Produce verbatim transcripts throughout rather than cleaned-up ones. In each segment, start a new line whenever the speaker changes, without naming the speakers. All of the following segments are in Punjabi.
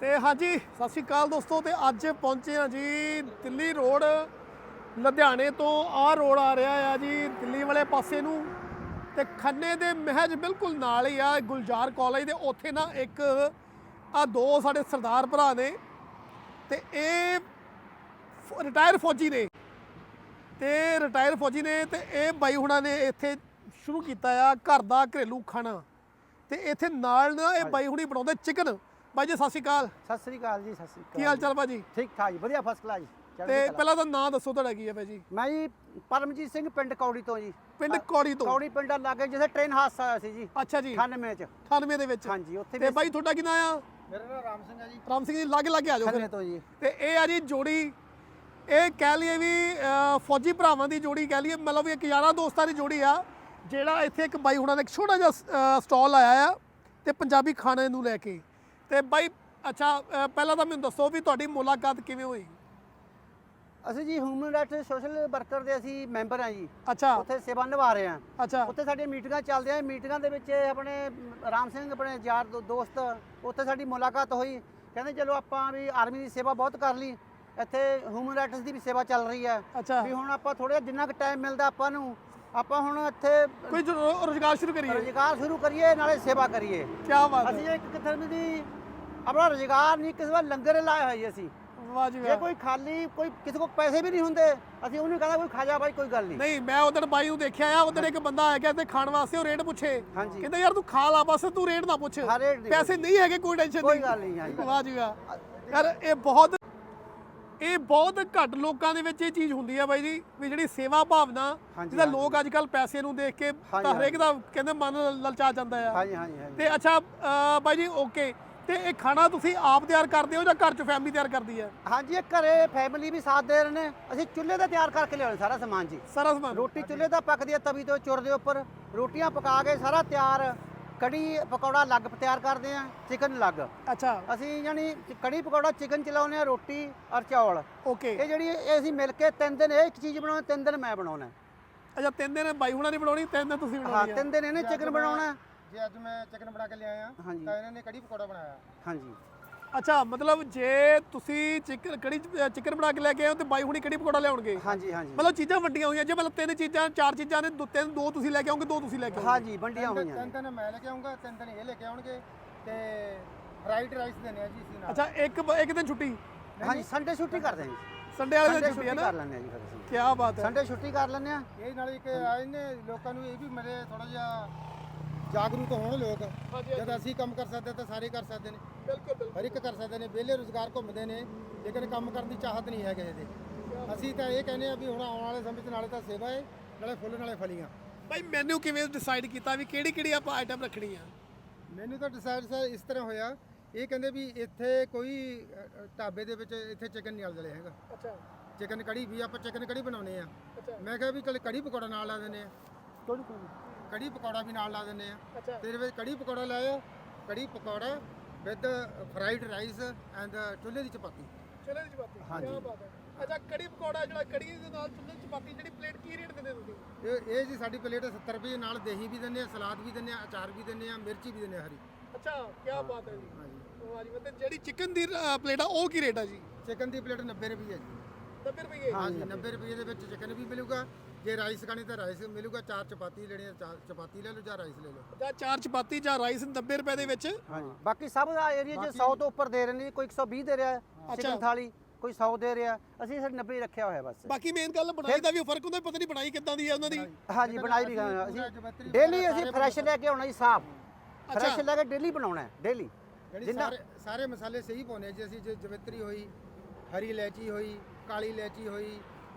ਤੇ ਹਾਂਜੀ ਸਤਿ ਸ਼੍ਰੀ ਅਕਾਲ ਦੋਸਤੋ। ਤੇ ਅੱਜ ਪਹੁੰਚੇ ਆ ਜੀ ਦਿੱਲੀ ਰੋਡ, ਲੁਧਿਆਣੇ ਤੋਂ ਆਹ ਰੋਡ ਆ ਰਿਹਾ ਆ ਜੀ ਦਿੱਲੀ ਵਾਲੇ ਪਾਸੇ ਨੂੰ, ਤੇ ਖੰਨੇ ਦੇ ਮਹਿਜ ਬਿਲਕੁਲ ਨਾਲ ਹੀ ਆ ਗੁਲਜ਼ਾਰ ਕਾਲਜ ਦੇ। ਉੱਥੇ ਨਾ ਇੱਕ ਆ ਦੋ ਸਾਡੇ ਸਰਦਾਰ ਭਰਾ ਨੇ, ਤੇ ਇਹ ਰਿਟਾਇਰ ਫੌਜੀ ਨੇ, ਤੇ ਰਿਟਾਇਰ ਫੌਜੀ ਨੇ ਤੇ ਇਹ ਬਾਈ ਹੁਣਾਂ ਨੇ ਇੱਥੇ ਸ਼ੁਰੂ ਕੀਤਾ ਆ ਘਰ ਦਾ ਘਰੇਲੂ ਖਾਣਾ। ਤੇ ਇੱਥੇ ਨਾਲ ਨਾ ਇਹ ਬਾਈ ਹੁਣੀ ਬਣਾਉਂਦੇ ਚਿਕਨ। ਬਾਈ ਜੀ ਸਤਿ ਸ਼੍ਰੀ ਅਕਾਲ।
ਸਤਿ ਸ੍ਰੀ ਅਕਾਲ ਜੀ। ਸਤਿ ਸ੍ਰੀ ਅਕਾਲ।
ਕੀ ਹਾਲ ਚਾਲ ਭਾਜੀ?
ਠੀਕ ਠਾਕ ਜੀ, ਵਧੀਆ ਫਸਟ ਕਲਾਸ ਜੀ।
ਤੇ ਪਹਿਲਾਂ ਤਾਂ ਨਾਂ ਦੱਸੋ ਤੁਹਾਡਾ ਕੀ ਹੈ ਭਾਈ ਜੀ?
ਮੈਂ ਜੀ ਪਰਮਜੀਤ ਸਿੰਘ, ਪਿੰਡ ਕੌੜੀ ਤੋਂ ਜੀ।
ਪਿੰਡ ਕੌੜੀ ਤੋਂ?
ਕੌੜੀ ਪਿੰਡ ਲਾਗੇ ਜਿੱਥੇ ਟ੍ਰੇਨ ਹਾਦਸਾ ਹੋਇਆ ਸੀ ਜੀ।
ਅੱਛਾ ਜੀ।
ਅਠਾਨਵੇਂ ਚ।
ਅਠਾਨਵੇਂ ਦੇ ਵਿੱਚ?
ਹਾਂਜੀ ਉੱਥੇ।
ਤੇ ਬਾਈ ਤੁਹਾਡਾ ਕੀ ਨਾਂ ਆ?
ਮੇਰਾ ਨਾਮ ਰਾਮ ਸਿੰਘ ਹੈ ਜੀ।
ਰਾਮ ਸਿੰਘ ਜੀ ਲਾਗੇ ਲਾਗੇ ਆ ਜਾਓ
ਖੰਨੇ ਤੋਂ ਜੀ।
ਤੇ ਇਹ ਆ ਜੀ ਜੋੜੀ, ਇਹ ਕਹਿ ਲਈਏ ਵੀ ਫੌਜੀ ਭਰਾਵਾਂ ਦੀ ਜੋੜੀ ਕਹਿ ਲਈਏ, ਮਤਲਬ ਵੀ ਇੱਕ ਯਾਰਾਂ ਦੋਸਤਾਂ ਦੀ ਜੋੜੀ ਆ, ਜਿਹੜਾ ਇੱਥੇ ਇੱਕ ਬਾਈ ਹੁਣਾਂ ਨੇ ਇੱਕ ਛੋਟਾ ਜਿਹਾ ਸਟਾਲ ਲਾਇਆ ਆ ਤੇ ਪੰਜਾਬੀ ਖਾਣੇ ਨੂੰ ਲੈ ਕੇ। ਤੇ ਬਾਈ ਅੱਛਾ ਪਹਿਲਾਂ ਤਾਂ ਮੈਨੂੰ ਦੱਸੋ ਵੀ ਤੁਹਾਡੀ ਮੁਲਾਕਾਤ ਕਿਵੇਂ ਹੋਈ?
ਅਸੀਂ ਜੀ ਹਿਊਮਨ ਰਾਈਟਸ ਸੋਸ਼ਲ ਵਰਕਰ ਦੇ ਅਸੀਂ ਮੈਂਬਰ ਆ ਜੀ।
ਅੱਛਾ।
ਉੱਥੇ ਸੇਵਾ ਨਿਭਾ ਰਹੇ ਆ।
ਅੱਛਾ।
ਉੱਥੇ ਸਾਡੀਆਂ ਮੀਟਿੰਗਾਂ ਚੱਲਦੀਆਂ, ਮੀਟਿੰਗਾਂ ਦੇ ਵਿੱਚ ਆਪਣੇ ਰਾਮ ਸਿੰਘ ਆਪਣੇ ਯਾਰ ਦੋਸਤ, ਉੱਥੇ ਸਾਡੀ ਮੁਲਾਕਾਤ ਹੋਈ। ਕਹਿੰਦੇ ਚਲੋ ਆਪਾਂ ਵੀ ਆਰਮੀ ਦੀ ਸੇਵਾ ਬਹੁਤ ਕਰ ਲਈ, ਇੱਥੇ ਹਿਊਮਨ ਰਾਈਟਸ ਦੀ ਵੀ ਸੇਵਾ ਚੱਲ ਰਹੀ ਹੈ।
ਅੱਛਾ।
ਵੀ ਹੁਣ ਆਪਾਂ ਥੋੜਾ ਜਿੰਨਾ ਕੁ ਟਾਈਮ ਮਿਲਦਾ ਆਪਾਂ ਨੂੰ, ਆਪਾਂ ਹੁਣ ਇੱਥੇ
ਕੋਈ ਰੁਜ਼ਗਾਰ ਸ਼ੁਰੂ ਕਰੀਏ।
ਰੁਜ਼ਗਾਰ ਸ਼ੁਰੂ ਕਰੀਏ, ਨਾਲੇ ਸੇਵਾ ਕਰੀਏ।
ਕੀ ਬਾਤ ਹੈ।
ਅਸੀਂ ਇੱਕ ਕਿਸਮ ਦੀ ਆਪਣਾ ਰੁਜ਼ਗਾਰ ਨਹੀਂ, ਕਿਸੇ ਵਾਰ ਲੰਗਰ ਲਾਇਆ ਹੋਈ ਅਸੀਂ।
ਵਾਹ ਜੀ
ਜੇ
ਵਾਹ।
ਕੋਈ ਖਾਲੀ ਕੋਈ ਕਿਸੇ ਕੋਲ ਪੈਸੇ ਵੀ ਨਹੀਂ ਹੁੰਦੇ, ਅਸੀਂ ਉਹਨੂੰ ਕਹਿੰਦਾ ਕੋਈ ਖਾ ਜਾ ਬਾਈ, ਕੋਈ ਗੱਲ ਨਹੀਂ।
ਨਹੀਂ ਮੈਂ ਉਧਰ ਬਾਈ ਨੂੰ ਦੇਖਿਆ ਆ, ਉਧਰ ਇੱਕ ਬੰਦਾ ਆ ਗਿਆ ਤੇ ਖਾਣ ਵਾਸਤੇ ਉਹ ਰੇਟ ਪੁੱਛੇ,
ਹਾਂਜੀ।
ਕਹਿੰਦਾ ਯਾਰ ਤੂੰ ਖਾ ਲਾ ਬਸ, ਤੂੰ ਰੇਟ ਨਾ ਪੁੱਛ,
ਹਾਂ, ਰੇਟ ਨਹੀਂ
ਪੈਸੇ ਨਹੀਂ ਹੈਗੇ, ਕੋਈ ਟੈਨਸ਼ਨ
ਕੋਈ
ਨਹੀਂ।
ਗੱਲ ਨਹੀਂ। ਹਾਂਜੀ।
ਵਾਹ ਜੀ ਵਾਹ। ਯਾਰ ਇਹ ਬਹੁਤ ਇਹ ਬਹੁਤ ਘੱਟ ਲੋਕਾਂ ਦੇ ਵਿੱਚ ਇਹ ਚੀਜ਼ ਹੁੰਦੀ ਆ ਬਾਈ ਜੀ, ਵੀ ਜਿਹੜੀ ਸੇਵਾ ਭਾਵਨਾ, ਜਿਹਦਾ ਲੋਕ ਅੱਜ ਕੱਲ ਪੈਸੇ ਨੂੰ ਦੇਖ ਕੇ ਤਾਂ ਹਰੇਕ ਦਾ ਕਹਿੰਦੇ ਮਨ ਲਲਚਾ ਜਾਂਦਾ ਆ।
ਹਾਂਜੀ ਹਾਂਜੀ ਹਾਂਜੀ।
ਤੇ ਅੱਛਾ ਬਾਈ ਜੀ ਓਕੇ, ਤੇ ਇਹ ਖਾਣਾ ਤੁਸੀਂ ਆਪ ਤਿਆਰ ਕਰਦੇ ਹੋ ਜਾਂ ਘਰ 'ਚ ਫੈਮਿਲੀ ਤਿਆਰ ਕਰਦੀ ਹੈ?
ਹਾਂਜੀ, ਇਹ ਘਰੇ ਫੈਮਿਲੀ ਵੀ ਸਾਥ ਦੇ ਰਹੇ ਨੇ। ਅਸੀਂ ਚੁੱਲ੍ਹੇ ਤੇ ਤਿਆਰ ਕਰਕੇ ਲਿਆਉਣੇ ਸਾਰਾ ਸਮਾਨ ਜੀ।
ਸਾਰਾ ਸਮਾਨ?
ਰੋਟੀ ਚੁੱਲ੍ਹੇ ਦਾ ਪੱਕਦੀ ਹੈ, ਤਵੀ ਤੋਂ ਚੁਰ ਦੇ ਉੱਪਰ ਰੋਟੀਆਂ ਪਕਾ ਕੇ ਸਾਰਾ ਤਿਆਰ। ਕੜੀ ਪਕੌੜਾ ਅਲੱਗ ਤਿਆਰ ਕਰਦੇ ਆ, ਚਿਕਨ ਅਲੱਗ।
ਅੱਛਾ।
ਅਸੀਂ ਯਾਨੀ ਕੜੀ ਪਕੌੜਾ ਚਿਕਨ ਚਲਾਉਂਦੇ ਆ, ਰੋਟੀ ਔਰ ਚੌਲ।
ਓਕੇ।
ਇਹ ਜਿਹੜੀ ਇਹ ਅਸੀਂ ਮਿਲ ਕੇ ਤਿੰਨ ਦਿਨ ਇਹ ਇੱਕ ਚੀਜ਼ ਬਣਾਉਣੀ, ਤਿੰਨ ਦਿਨ ਮੈਂ ਬਣਾਉਣਾ।
ਅੱਛਾ, ਤਿੰਨ ਦਿਨ ਬਾਈ ਹੁਣਾਂ ਨੇ ਬਣਾਉਣੀ, ਤਿੰਨ ਦਿਨ ਤੁਸੀਂ
ਹਾਂ,
ਬਣਾਉਣੀ?
ਤਿੰਨ ਦਿਨ ਇਹਨੇ ਚਿਕਨ ਬਣਾਉਣਾ।
ਜੇ ਅੱਜ ਮੈਂ ਚਿਕਨ ਬਣਾ ਕੇ ਲਿਆਇਆ ਤਾਂ ਇਹਨਾਂ ਨੇ ਕੜੀ ਪਕੌੜਾ ਬਣਾਇਆ।
ਹਾਂਜੀ।
ਅੱਛਾ, ਮਤਲਬ ਜੇ ਤੁਸੀਂ ਚਿਕਨ ਕੜੀ ਚਿਕਨ ਬਣਾ ਕੇ ਲੈ ਕੇ ਆਏ ਹੋ ਤੇ ਬਾਈ ਹੁਣੀ ਕੜੀ ਪਕੌੜਾ ਲਿਆਉਣਗੇ?
ਹਾਂਜੀ ਹਾਂਜੀ।
ਮਤਲਬ ਚੀਜ਼ਾਂ ਵੱਡੀਆਂ ਹੋਈਆਂ ਜੇ, ਮਤਲਬ ਤਿੰਨ ਚੀਜ਼ਾਂ ਚਾਰ ਚੀਜ਼ਾਂ ਨੇ, ਦੋ ਤਿੰਨ ਦੋ ਤੁਸੀਂ ਲੈ ਕੇ ਆਓਗੇ, ਦੋ ਤੁਸੀਂ ਲੈ ਕੇ ਆਓਗੇ?
ਹਾਂਜੀ, ਵੰਡੀਆਂ ਹੋਈਆਂ।
ਤਿੰਨ ਦਿਨ ਮੈਂ ਲੈ ਕੇ ਆਉਂਗਾ, ਤਿੰਨ ਦਿਨ ਇਹ ਲੈ ਕੇ ਆਉਣਗੇ, ਤੇ ਫਰਾਈਡ ਰਾਈਸ ਦੇਣੇ ਆ ਜੀ ਅਸੀਂ ਨਾਲ।
ਅੱਛਾ, ਇੱਕ ਇੱਕ ਦਿਨ ਛੁੱਟੀ?
ਹਾਂਜੀ, ਸੰਡੇ ਛੁੱਟੀ ਕਰਦੇ ਹਾਂ ਜੀ।
ਸੰਡੇ ਵਾਲੇ ਦਿਨ ਛੁੱਟੀ ਹੈ ਨਾ?
ਕਰ ਲੈਂਦੇ ਆ ਜੀ ਫਿਰ ਅਸੀਂ।
ਕੀ ਬਾਤ ਹੈ।
ਸੰਡੇ ਛੁੱਟੀ ਕਰ ਲੈਂਦੇ ਆ।
ਇਹ ਨਾਲ ਇੱਕ ਆਏ ਨੇ ਲੋਕਾਂ ਨੂੰ ਇਹ ਵੀ ਮਿਲੇ, ਥੋੜਾ ਜਿਹਾ ਜਾਗਰੂਕ ਹੋਣ ਲੋਕ। ਜਦ ਅਸੀਂ ਕੰਮ ਕਰ ਸਕਦੇ ਤਾਂ ਸਾਰੇ ਕਰ ਸਕਦੇ ਨੇ।
ਬਿਲਕੁਲ ਬਿਲਕੁਲ।
ਹਰ ਇੱਕ ਕਰ ਸਕਦੇ ਨੇ। ਵਿਹਲੇ ਰੁਜ਼ਗਾਰ ਘੁੰਮਦੇ ਨੇ, ਲੇਕਿਨ ਕੰਮ ਕਰਨ ਦੀ ਚਾਹਤ ਨਹੀਂ ਹੈ ਕਿਸੇ ਦੇ। ਅਸੀਂ ਤਾਂ ਇਹ ਕਹਿੰਦੇ ਆ ਵੀ ਹੁਣ ਆਉਣ ਵਾਲੇ ਸਮੇਂ 'ਚ ਨਾਲੇ ਤਾਂ ਸੇਵਾ ਹੈ, ਨਾਲੇ ਫੁੱਲ ਨਾਲੇ ਫਲੀਆਂ।
ਬਾਈ ਮੈਨੂ ਕਿਵੇਂ ਡਿਸਾਈਡ ਕੀਤਾ ਵੀ ਕਿਹੜੀ ਕਿਹੜੀ ਆਪਾਂ ਆਈਟਮ ਰੱਖਣੀ ਆ?
ਮੈਨੂੰ ਤਾਂ ਡਿਸਾਈਡ ਸਰ ਇਸ ਤਰ੍ਹਾਂ ਹੋਇਆ, ਇਹ ਕਹਿੰਦੇ ਵੀ ਇੱਥੇ ਕੋਈ ਢਾਬੇ ਦੇ ਵਿੱਚ ਇੱਥੇ ਚਿਕਨ ਨਹੀਂ ਅਲਦਲੇ ਹੈਗਾ।
ਅੱਛਾ।
ਚਿਕਨ ਕੜੀ ਵੀ ਆਪਾਂ ਚਿਕਨ ਕੜੀ ਬਣਾਉਨੇ ਆ। ਮੈਂ ਕਿਹਾ ਵੀ ਚਲ ਕੜੀ ਪਕੌੜਾ ਨਾਲ ਲਾ ਦਿੰਦੇ ਆ।
ਕੋਈ ਕੋਈ
ਕੜੀ ਪਕੌੜਾ ਵੀ ਨਾਲ ਲਾ ਦਿੰਦੇ ਆ।
ਅੱਛਾ।
ਤੇਰੇ ਵਿੱਚ ਕੜੀ ਪਕੌੜਾ ਲਾਇਆ, kadhi pakora with fried rice and ਚੁੱਲ੍ਹੇ ਦੀ ਚਪਾਤੀ।
ਚੁੱਲ੍ਹੇ ਦੀ ਚਪਾਤੀ?
ਹਾਂਜੀ।
ਕੀ ਬਾਤ ਹੈ। ਅੱਛਾ, ਕੜੀ ਪਕੌੜਾ ਜਿਹੜਾ ਕੜੀ ਦੇ ਨਾਲ ਚੁੱਲ੍ਹੇ ਦੀ ਚਪਾਤੀ, ਜਿਹੜੀ ਪਲੇਟ ਕੀ ਰੇਟ ਦਿੰਦੇ ਤੁਸੀਂ?
ਇਹ ਇਹ ਜੀ ਸਾਡੀ ਪਲੇਟ ਸੱਤਰ ਰੁਪਏ, ਨਾਲ ਦਹੀਂ ਵੀ ਦਿੰਦੇ ਆ, ਸਲਾਦ ਵੀ ਦਿੰਦੇ ਆ, ਅਚਾਰ ਵੀ ਦਿੰਦੇ ਆ, ਮਿਰਚੀ ਵੀ ਦਿੰਦੇ ਆ ਹਰੀ।
ਅੱਛਾ, ਕੀ ਬਾਤ ਹੈ ਜੀ।
ਹਾਂਜੀ।
ਵਾਹ ਜੀ। ਮਤਲਬ ਜਿਹੜੀ ਚਿਕਨ ਦੀ ਪਲੇਟ ਆ ਉਹ ਕੀ ਰੇਟ ਆ ਜੀ?
ਚਿਕਨ ਦੀ ਪਲੇਟ ਨੱਬੇ ਰੁਪਏ ਹੈ ਜੀ।
ਨੱਬੇ ਰੁਪਏ?
ਹਾਂਜੀ, ਨੱਬੇ ਰੁਪਏ ਦੇ ਵਿੱਚ ਚਿਕਨ ਵੀ ਮਿਲੂਗਾ। ਜੇ ਰਾਈਸ ਖਾਣੀ ਤਾਂ ਰਾਈਸ ਮਿਲੂਗਾ, ਚਾਰ ਚਪਾਤੀ ਲੈਣੀ ਆ ਚਾਰ ਚਪਾਤੀ ਲੈ ਲਓ ਜਾਂ ਰਾਈਸ ਲੈ ਲਓ।
ਜਾਂ ਚਾਰ ਚਪਾਤੀ ਜਾਂ ਰਾਈਸ ਨੱਬੇ ਰੁਪਏ ਦੇ ਵਿੱਚ?
ਹਾਂਜੀ। ਬਾਕੀ ਸਭ ਦਾ ਏਰੀਆ 'ਚ ਸੌ ਤੋਂ ਉੱਪਰ ਦੇ ਰਹੇ ਨੇ, ਕੋਈ ਇੱਕ ਸੌ ਵੀਹ ਦੇ ਰਿਹਾ ਚਿਕਨ ਥਾਲੀ, ਕੋਈ ਸੌ ਦੇ ਰਿਹਾ। ਅਸੀਂ ਸਿਰ ਨੱਬੇ ਰੱਖਿਆ ਹੋਇਆ ਬਸ।
ਬਾਕੀ ਮੇਨ ਗੱਲ ਬਣਾਈ ਦਾ ਵੀ ਫਰਕ ਹੁੰਦਾ, ਪਤਾ ਨਹੀਂ ਬਣਾਈ ਕਿੱਦਾਂ ਦੀ ਹੈ ਉਹਨਾਂ ਦੀ।
ਹਾਂਜੀ, ਬਣਾਈ ਵੀ ਅਸੀਂ ਡੇਲੀ ਅਸੀਂ ਫਰੈਸ਼ ਲੈ ਕੇ ਆਉਣਾ ਜੀ, ਸਾਫ ਫਰੈਸ਼ ਲੈ ਕੇ ਡੇਲੀ ਬਣਾਉਣਾ ਡੇਲੀ।
ਸਾਰੇ ਸਾਰੇ ਮਸਾਲੇ ਸਹੀ ਪਾਉਣੇ ਜੀ ਅਸੀਂ। ਜੇ ਜਵੈਤਰੀ ਹੋਈ, ਹਰੀ ਇਲਾਇਚੀ ਹੋਈ, ਕਾਲੀ ਇਲਾਇਚੀ ਹੋਈ,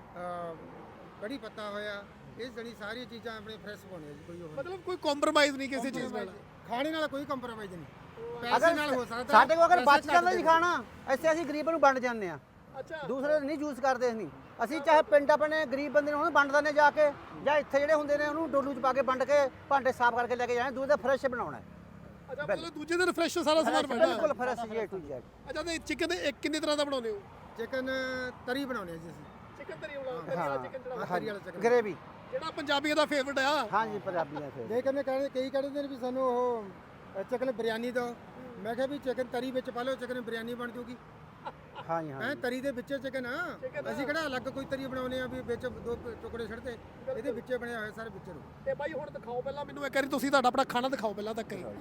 ਕੜੀ ਪੱਤਾ ਹੋਇਆ, ਇਹ ਜਿਹੜੀ ਸਾਰੀਆਂ ਚੀਜ਼ਾਂ ਆਪਣੇ ਫਰੈਸ਼ ਪਾਉਣੇ ਜੀ। ਕੋਈ ਹੋਰ
ਮਤਲਬ ਕੋਈ ਕੰਪਰੋਮਾਈਜ਼ ਨਹੀਂ ਕਿਸੇ ਚੀਜ਼ ਨਾਲ?
ਖਾਣੇ ਨਾਲ ਕੋਈ ਕੰਪਰੋਮਾਈਜ਼ ਨਹੀਂ, ਪੈਸੇ ਨਾਲ ਹੋ ਸਕਦਾ।
ਸਾਡੇ ਕੋਲ ਅਗਰ ਬਚ ਜਾਂਦਾ ਜੀ ਖਾਣਾ, ਐਸੇ ਅਸੀਂ ਗਰੀਬਾਂ ਨੂੰ ਵੰਡ ਜਾਂਦੇ ਆ।
ਅੱਛਾ।
ਦੂਸਰੇ ਨਹੀਂ ਯੂਜ਼ ਕਰਦੇ ਨਹੀਂ ਅਸੀਂ। ਚਾਹੇ ਪਿੰਡ ਆਪਣੇ ਗਰੀਬ ਬੰਦੇ ਨੂੰ ਉਹਨੂੰ ਵੰਡ ਦਿੰਦੇ ਜਾ ਕੇ, ਜਾਂ ਇੱਥੇ ਜਿਹੜੇ ਹੁੰਦੇ ਨੇ ਉਹਨੂੰ ਡੋਲੂ 'ਚ ਪਾ ਕੇ ਵੰਡ ਕੇ ਭਾਂਡੇ ਸਾਫ਼ ਕਰਕੇ ਲੈ ਕੇ ਜਾਣੇ। ਦੂਜੇ ਦਾ ਫਰੈਸ਼ ਬਣਾਉਣਾ।
ਅੱਛਾ, ਮਤਲਬ ਦੂਜੇ ਦਿਨ ਫਰੈਸ਼ ਸਾਰਾ ਸਮਾਨ ਬਣਦਾ?
ਬਿਲਕੁਲ ਫਰੈਸ਼ ਜੀ, ਏ ਟੂ ਜ਼ੈਡ।
ਅੱਛਾ, ਤੇ ਚਿਕਨ ਇੱਕ ਕਿੰਨੇ ਤਰ੍ਹਾਂ ਦਾ ਬਣਾਉਂਦੇ ਹੋ?
ਚਿਕਨ ਤਰੀ ਬਣਾਉਣੇ ਜੀ ਅਸੀਂ।
ਚਿਕਨ ਤਰੀ ਵਾਲਾ ਚਿਕਨ ਜਿਹੜਾ
ਹਰੀ ਵਾਲਾ ਚਿਕਨ,
ਗ੍ਰੇਵੀ,
ਜਿਹੜਾ ਪੰਜਾਬੀਆਂ ਦਾ ਫੇਵਰਟ ਆ।
ਹਾਂਜੀ, ਪੰਜਾਬੀਆਂ ਫਿਰ
ਜੇ ਕਹਿੰਦੇ ਕਈ ਕਹਿੰਦੇ ਨੇ ਵੀ ਸਾਨੂੰ ਉਹ ਚਿਕਨ ਬਿਰਿਆਨੀ ਦਿਓ, ਮੈਂ ਕਿਹਾ ਵੀ ਚਿਕਨ ਤਰੀ ਵਿੱਚ ਪਾ ਲਓ, ਚਿਕਨ ਬਿਰਿਆਨੀ ਬਣ ਜੂਗੀ।
ਹਾਂਜੀ ਹਾਂ
ਹੈ ਤਰੀ ਦੇ ਵਿੱਚ ਚਿਕਨ ਆ, ਅਸੀਂ ਕਿਹੜਾ ਅਲੱਗ ਕੋਈ ਤਰੀ ਬਣਾਉਨੇ ਆ ਵੀ ਵਿੱਚ ਦੋ ਟੁਕੜੇ ਛੱਡਦੇ, ਇਹਦੇ ਵਿੱਚੇ ਬਣਿਆ ਹੋਇਆ ਸਾਰੇ ਵਿੱਚ ਨੂੰ।
ਤੇ ਬਾਈ ਹੁਣ ਦਿਖਾਓ ਪਹਿਲਾਂ ਮੈਨੂੰ ਇੱਕ ਵਾਰੀ, ਤੁਸੀਂ ਤੁਹਾਡਾ ਆਪਣਾ ਖਾਣਾ ਦਿਖਾਓ ਪਹਿਲਾਂ ਤੱਕ ਹੀ।
ਇਹ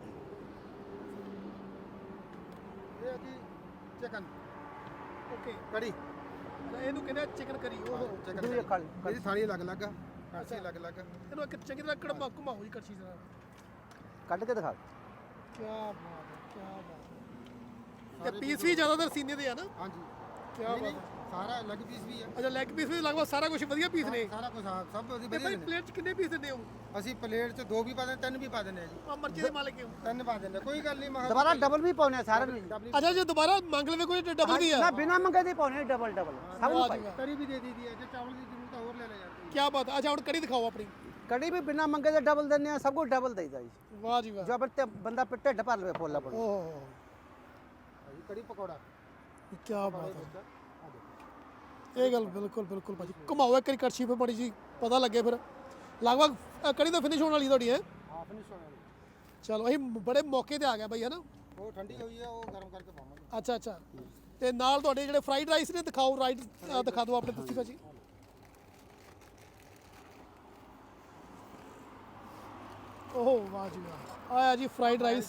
ਆ ਜੀ ਚਿਕਨ
ਓਕੇ,
ਕੜੀ,
ਇਹਨੂੰ ਕਹਿੰਦੇ ਚਿਕਨ ਕਰੀ। ਉਹ
ਚਿਕਨ
ਦੂਜੀ ਖਾਲੀ
ਇਹਦੀ ਥਾਲੀ ਅਲੱਗ ਅਲੱਗ ਆ, ਕਾਸੀ ਅਲੱਗ ਅਲੱਗ ਆ।
ਇਹਨੂੰ ਇੱਕ ਚੰਗੀ ਤਰ੍ਹਾਂ ਕੜਮਾ ਘੁਮਾਓ ਜੀ ਕੜਛੀ ਨਾਲ।
ਕੱਢ ਕੇ ਦਿਖਾ।
ਕੀ ਬਾਤ ਹੈ, ਕੀ ਬਾਤ ਹੈ। ਤੇ ਪੀਸ ਵੀ ਜ਼ਿਆਦਾਤਰ ਸੀਨੇ ਦੇ ਆ ਨਾ?
ਹਾਂਜੀ
ਕੀ
ਨਹੀਂ,
ਬਾਤ
ਨਹੀਂ,
ਹੈ।
ਸਾਰਾ ਅਲੱਗ ਪੀਸ ਵੀ ਆ।
ਅੱਛਾ, ਲੈਗ ਪੀਸ ਵੀ ਲਗਭਗ ਸਾਰਾ ਕੁਝ ਵਧੀਆ ਪੀਸ ਨੇ।
ਸਾਰਾ ਕੁਝ ਹਾਂ, ਸਭ ਉਹਦੀ
ਤੇ
ਵਧੀਆ
ਬਾਈ
ਨੇ।
ਪਲੇਟ 'ਚ ਕਿੰਨੇ ਪੀਸ ਦਿੰਦੇ ਹੋ?
ਅਸੀਂ ਪਲੇਟ 'ਚ ਦੋ ਵੀ ਪਾ ਦਿੰਦੇ, ਤਿੰਨ ਵੀ ਪਾ ਦਿੰਦੇ ਆ ਜੀ।
ਆ ਮਰਜ਼ੀ ਦੇ ਮਾਲਕ ਹੋ।
ਤਿੰਨ ਪਾ ਦਿੰਦੇ, ਕੋਈ ਗੱਲ ਨਹੀਂ। ਮਹਾ
ਦੁਬਾਰਾ ਡਬਲ ਵੀ ਪਾਉਣੇ ਆ ਸਾਰਿਆਂ ਨੂੰ ਜੀ।
ਅੱਛਾ, ਜੇ ਦੁਬਾਰਾ ਮੰਗ ਲਵੇ ਕੋਈ ਡਬਲ ਵੀ ਆ?
ਨਾ ਬਿਨਾ ਮੰਗੇ ਦੇ ਪਾਉਣੇ ਡਬਲ ਡਬਲ ਸਭ ਨੂੰ ਪਾਈ।
ਤਰੀ ਵੀ ਦੇ ਦਈਦੀ ਹੈ, ਜੇ ਚਾਵਲ ਦੀ ਜ਼ਰੂਰਤ ਆ ਹੋਰ ਲੈ ਲੈ ਜਾਂਦੇ।
ਕੀ ਬਾਤ ਹੈ। ਅੱਛਾ, ਹੁਣ ਕੜੀ ਦਿਖਾਓ ਆਪਣੀ।
ਕੜੀ ਵੀ ਬਿਨਾ ਮੰਗੇ ਦੇ ਡਬਲ ਦਿੰਦੇ ਆ, ਸਭ ਕੁਝ ਡਬਲ ਦੇਈਦਾ ਜੀ।
ਵਾਹ ਜੀ ਵਾਹ।
ਜੋ ਫਿਰ ਤੇ ਬੰਦਾ ਫਿਰ ਢਿੱਡ ਭਰ ਲਵੇ ਫੁੱਲ ਆਪਣਾ।
ਓਹ
ਕੜੀ ਪਕੌੜਾ
ਕੀ ਬਾਤ ਹੈ। ਇਹ ਗੱਲ ਬਿਲਕੁਲ ਬਿਲਕੁਲ ਭਾਜੀ, ਘੁਮਾਓ ਇੱਕ ਵਾਰੀ ਕੜਛੀ ਫਿਰ ਬੜੀ ਜੀ ਪਤਾ ਲੱਗੇ ਫਿਰ। ਲਗਭਗ ਅ, ਕੜੀ ਤਾਂ ਫਿਨਿਸ਼ ਹੋਣ ਵਾਲੀ ਤੁਹਾਡੀ ਹੈ।
ਹਾਂ ਫਿਨਿਸ਼ ਹੋ ਗਿਆ।
ਚਲੋ ਅਸੀਂ ਬੜੇ ਮੌਕੇ ਤੇ ਆ ਗਿਆ ਬਾਈ, ਹੈ ਨਾ?
ਉਹ ਠੰਡੀ ਹੋਈ ਹੈ, ਉਹ ਗਰਮ ਕਰਕੇ ਪਾਵਾਂਗੇ।
ਅੱਛਾ ਅੱਛਾ। ਤੇ ਨਾਲ ਤੁਹਾਡੇ ਜਿਹੜੇ ਫਰਾਈਡ ਰਾਈਸ ਨੇ ਦਿਖਾਓ, ਰਾਈਟ ਦਿਖਾ ਦਿਓ ਆਪਣੇ ਤੁਸੀਂ ਭਾਜੀ। ਓਹ ਵਾਹ ਜੀ ਵਾਹ, ਆਇਆ ਜੀ ਫਰਾਈਡ ਰਾਈਸ।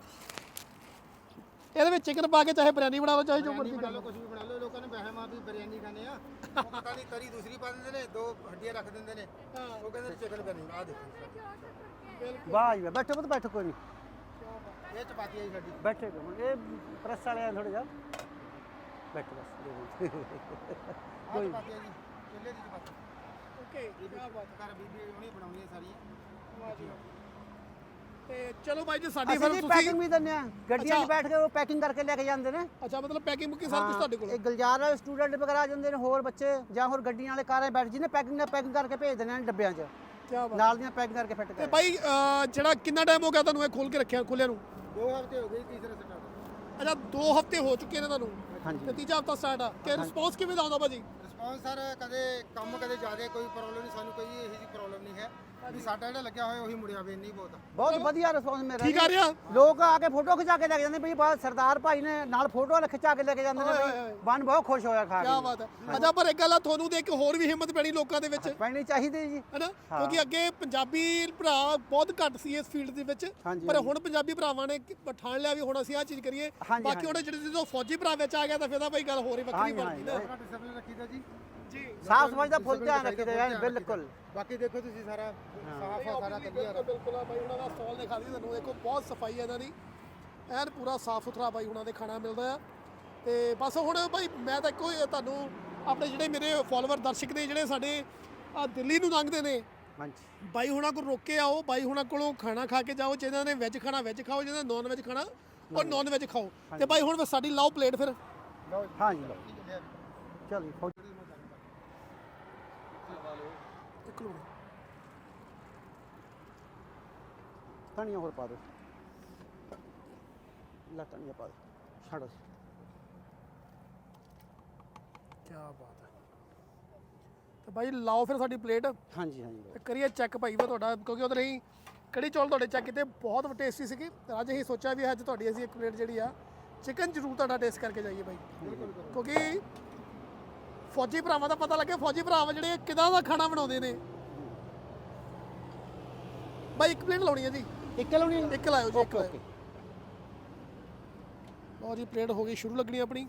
ਇਹਦੇ ਵਿੱਚ ਚਿਕਨ ਪਾ ਕੇ ਚਾਹੇ ਬਿਰਿਆਨੀ ਬਣਾ ਲਓ, ਚਾਹੇ ਜੋ ਮਰਜ਼ੀ
ਬਣਾ
ਕਰ
ਲਓ,
ਲਓ।
ਕੁਝ ਵੀ ਬਣਾ ਲਓ। ਲੋਕਾਂ ਨੇ ਵਹਿਮ ਆ ਵੀ ਬਿਰਿਆਨੀ ਖਾਣੇ ਆ, ਉਹ ਪਤਾ ਨਹੀਂ ਤਰੀ ਦੂਸਰੀ ਪਾ ਦਿੰਦੇ ਨੇ, ਦੋ ਹੱਡੀਆਂ ਰੱਖ ਦਿੰਦੇ ਨੇ, ਉਹ ਕਹਿੰਦੇ ਚਿਕਨ ਬਿਰਿਆਨੀ। ਆ ਦੇਖੋ
ਵਾਹ ਜੀ ਵਾਹ, ਬੈਠੋ ਪੁੱਤ ਬੈਠੋ, ਕੋਈ ਨਹੀਂ
ਇਹ ਚਪਾਤੀ ਹੈ ਜੀ ਸਾਡੀ।
ਬੈਠੇ ਕੋ ਇਹ ਪ੍ਰੈਸ ਵਾਲੇ ਆ ਥੋੜੇ ਜਿਹਾ ਬੈਠੋ ਬਸ ਦੋ ਮਿੰਟ।
ਆ ਚਪਾਤੀ ਹੈ ਜੀ, ਚੁੱਲ੍ਹੇ ਦੀ ਚਪਾਤੀ।
ਓਕੇ, ਕੀ ਬਾਤ ਹੈ।
ਘਰ ਬੀਬੀ ਉਹਨੇ ਬਣਾਉਣੀ ਹੈ ਸਾਰੀ।
ਵਾਹ ਜੀ ਵਾਹ। ਤੇ ਚਲੋ ਬਾਈ ਜੀ, ਸਾਡੀ
ਅਸੀਂ
ਫਿਰ
ਜੀ
ਤੁਸੀਂ
ਪੈਕਿੰਗ ਵੀ ਦਿੰਦੇ ਆ, ਗੱਡੀਆਂ 'ਚ ਬੈਠ ਕੇ ਉਹ ਪੈਕਿੰਗ ਕਰਕੇ ਲੈ ਕੇ ਜਾਂਦੇ ਨੇ।
ਅੱਛਾ, ਮਤਲਬ ਪੈਕਿੰਗ ਮੁੱਕੀ ਸਾਰਾ ਕੁਝ ਤੁਹਾਡੇ ਕੋਲ?
ਇਹ ਗੁਲਜ਼ਾਰ ਵਾਲੇ ਸਟੂਡੈਂਟ ਵਗੈਰਾ ਆ ਜਾਂਦੇ ਨੇ, ਹੋਰ ਬੱਚੇ ਜਾਂ ਹੋਰ ਗੱਡੀਆਂ ਵਾਲੇ ਕਾਰਾਂ 'ਚ ਬੈਠ ਜਿਹਨੇ ਪੈਕਿੰਗ ਨਾਲ ਪੈਕਿੰਗ ਕਰਕੇ ਭੇਜ ਦਿੰਦੇ ਨੇ ਡੱਬਿਆਂ 'ਚ,
ਕੀ ਬਾਤ।
ਨਾਲ ਦੀਆਂ ਪੈਕਿੰਗ ਕਰਕੇ ਫਿੱਟ
ਤੇ
ਕਰ।
ਬਾਈ ਅ, ਜਿਹੜਾ ਕਿੰਨਾ ਟਾਈਮ ਹੋ ਗਿਆ ਤੁਹਾਨੂੰ ਇਹ ਖੋਲ ਕੇ ਰੱਖਿਆ, ਖੋਲਿਆ ਨੂੰ?
ਦੋ ਹਫ਼ਤੇ ਹੋ ਗਏ, ਤੀਸਰਾ ਸਟਾਰਟ।
ਅੱਛਾ, ਦੋ ਹਫ਼ਤੇ ਹੋ ਚੁੱਕੇ ਨੇ ਤੁਹਾਨੂੰ
ਹਾਂਜੀ
ਤੇ ਤੀਜਾ ਹਫ਼ਤਾ ਸਟਾਰਟ ਆ। ਕਿ ਰਿਸਪੌਂਸ ਕਿਵੇਂ ਦਾ ਆਉਂਦਾ ਭਾਜੀ?
ਰਿਸਪੌਂਸ ਸਰ ਕਦੇ ਕੰਮ ਕਦੇ ਜ਼ਿਆਦਾ, ਕੋਈ ਪ੍ਰੋਬਲਮ ਨਹੀਂ, ਸਾਨੂੰ ਕੋਈ ਇਹੋ ਜਿਹੀ ਪ੍ਰੋਬਲਮ ਨਹੀਂ ਹੈ ਵੀ ਸਾਡਾ ਜਿਹੜਾ ਲੱਗਿਆ ਹੋਇਆ ਉਹੀ ਮੁੜਿਆ ਵੇ, ਨਹੀਂ ਬਹੁਤ।
ਬਹੁਤ ਵਧੀਆ ਰਿਸਪੌਂਸ ਮਿਲ ਰਿਹਾ
ਠੀਕ ਆ
ਜੀ।
ਰਿਹਾ?
ਲੋਕ ਆ ਕੇ ਫੋਟੋ ਖਿਚਾ ਕੇ ਲੈ ਕੇ ਜਾਂਦੇ ਬਈ ਬਾਹਰ ਸਰਦਾਰ ਭਾਈ ਨੇ ਨਾਲ ਫੋਟੋ ਖਿਚਾ ਕੇ ਲੈ ਕੇ ਜਾਂਦੇ ਨੇ
ਓਏ,
ਬਈ
ਓਏ।
ਮਨ ਬਹੁਤ ਖੁਸ਼ ਹੋਇਆ ਖਾ
ਕੀ
ਕੇ।
ਬਾਤ ਹੈ। ਅੱਛਾ, ਪਰ ਇੱਕ ਗੱਲ ਆ, ਤੁਹਾਨੂੰ ਤੇ ਇੱਕ ਹੋਰ ਵੀ ਹਿੰਮਤ ਪੈਣੀ ਲੋਕਾਂ ਦੇ ਵਿੱਚ,
ਪੈਣੀ ਚਾਹੀਦੀ ਜੀ।
ਹੈਨਾ? ਕਿਉਂਕਿ ਅੱਗੇ ਪੰਜਾਬੀ ਭਰਾ ਬਹੁਤ ਘੱਟ ਸੀ ਇਸ ਫੀਲਡ ਦੇ ਵਿੱਚ,
ਹਾਂਜੀ,
ਪਰ ਹੁਣ ਪੰਜਾਬੀ ਭਰਾਵਾਂ ਨੇ ਠਾਣ ਲਿਆ ਵੀ ਹੁਣ ਅਸੀਂ ਆਹ ਚੀਜ਼ ਕਰੀਏ।
ਹਾਂਜੀ,
ਬਾਕੀ ਹੁਣ ਜਿਹੜੇ ਜਦੋਂ ਫੌਜੀ ਭਰਾ ਵਿੱਚ ਆ ਗਿਆ ਤਾਂ ਫਿਰ ਤਾਂ ਭਾਈ ਗੱਲ ਹੋਰ ਹੀ ਵੱਖਰੀ
ਹਾਂਜੀ,
ਬਣ ਗਈ ਨਾ।
ਸਾਰਾ ਡਿਸਪਲਿਨ ਰੱਖੀਦਾ ਜੀ।
ਜੀ
ਸਾਫ ਸਫਾਈ ਦਾ ਫੁੱਲ ਧਿਆਨ
ਰੱਖੀਦਾ,
ਰੱਖੀਦਾ
ਧਿਆਨ
ਬਿਲਕੁਲ।
ਬਾਕੀ ਦੇਖੋ ਤੁਸੀਂ ਸਾਰਾ ਸਾਫ ਆ, ਸਾਰਾ ਕਲੀਅਰ ਆ।
ਬਿਲਕੁਲ ਆ ਬਾਈ, ਉਹਨਾਂ ਦਾ ਸਟਾਲ ਦਿਖਾ ਦਈਏ ਤੁਹਾਨੂੰ। ਦੇਖੋ ਬਹੁਤ ਸਫਾਈ ਹੈ ਇਹਨਾਂ ਦੀ, ਐਨ ਪੂਰਾ ਸਾਫ ਸੁਥਰਾ ਬਾਈ ਉਹਨਾਂ ਦੇ ਖਾਣਾ ਮਿਲਦਾ ਆ। ਤੇ ਬਸ ਹੁਣ ਬਾਈ ਮੈਂ ਤਾਂ ਇੱਕੋ ਹੀ ਤੁਹਾਨੂੰ ਆਪਣੇ ਜਿਹੜੇ ਮੇਰੇ ਫਾਲੋਅਰ ਦਰਸ਼ਕ ਨੇ ਜਿਹੜੇ ਸਾਡੇ ਆ ਦਿੱਲੀ ਨੂੰ ਲੰਘਦੇ ਨੇ,
ਹਾਂਜੀ
ਬਾਈ ਹੁਣਾਂ ਕੋਲ ਰੁਕ ਕੇ ਆਓ, ਬਾਈ ਹੁਣਾਂ ਕੋਲੋਂ ਖਾਣਾ ਖਾ ਕੇ ਜਾਓ। ਜਿਹਨਾਂ ਨੇ ਵੈਜ ਖਾਣਾ ਵੈਜ ਖਾਓ, ਜਿਹਨਾਂ ਨੇ ਨੌਨ ਵੈਜ ਖਾਣਾ ਔਰ ਨੌਨ ਵੈਜ ਖਾਓ। ਤੇ ਬਾਈ ਹੁਣ ਸਾਡੀ ਲਾਓ ਪਲੇਟ ਫਿਰ।
ਲਓ
ਹਾਂਜੀ ਲਓ
ਜੀ।
ਚਲੋ ਜੀ, ਫੌਜੀ
ਇੱਕ ਮਿੰਟ।
ਧਨੀਆ ਹੋਰ ਪਾ ਦਿਓ, ਲੈ ਧਨੀਆ ਪਾ ਦਿਓ, ਛੱਡੋ।
ਕੀ ਬਾਤ ਹੈ। ਤੇ ਬਾਈ ਲਾਓ ਫਿਰ ਸਾਡੀ ਪਲੇਟ
ਹਾਂਜੀ ਹਾਂਜੀ
ਤੇ ਕਰੀਏ ਚੈੱਕ ਭਾਈ ਵਾ ਤੁਹਾਡਾ, ਕਿਉਂਕਿ ਉਹਦੇ ਲਈ ਕੜੀ ਚੌਲ ਤੁਹਾਡੇ ਚੈੱਕ ਕੀਤੇ ਬਹੁਤ ਟੇਸਟੀ ਸੀਗੇ। ਤੇ ਅੱਜ ਅਸੀਂ ਸੋਚਿਆ ਵੀ ਅੱਜ ਤੁਹਾਡੀ ਅਸੀਂ ਇੱਕ ਪਲੇਟ ਜਿਹੜੀ ਆ ਚਿਕਨ ਜ਼ਰੂਰ ਤੁਹਾਡਾ ਟੇਸਟ ਕਰਕੇ ਜਾਈਏ ਬਾਈ, ਕਿਉਂਕਿ ਫੌਜੀ ਭਰਾਵਾਂ ਦਾ ਪਤਾ ਲੱਗੇ ਫੌਜੀ ਭਰਾਵਾਂ ਜਿਹੜੇ ਕਿਦਾਂ ਦਾ ਖਾਣਾ ਬਣਾਉਂਦੇ ਨੇ। ਬਾਈ ਇੱਕ ਪਲੇਟ ਲਾਉਣੀ ਹੈ ਜੀ।
ਇੱਕ ਲਾਉਣੀ ਹੈ?
ਇੱਕ ਲਾਇਓ ਜੀ, ਇੱਕ
ਓਕੇ
ਲਾਇਓ।
ਓਕੇ।
ਲਓ ਜੀ, ਪਲੇਟ ਹੋ ਗਈ ਸ਼ੁਰੂ ਲੱਗਣੀ ਆਪਣੀ।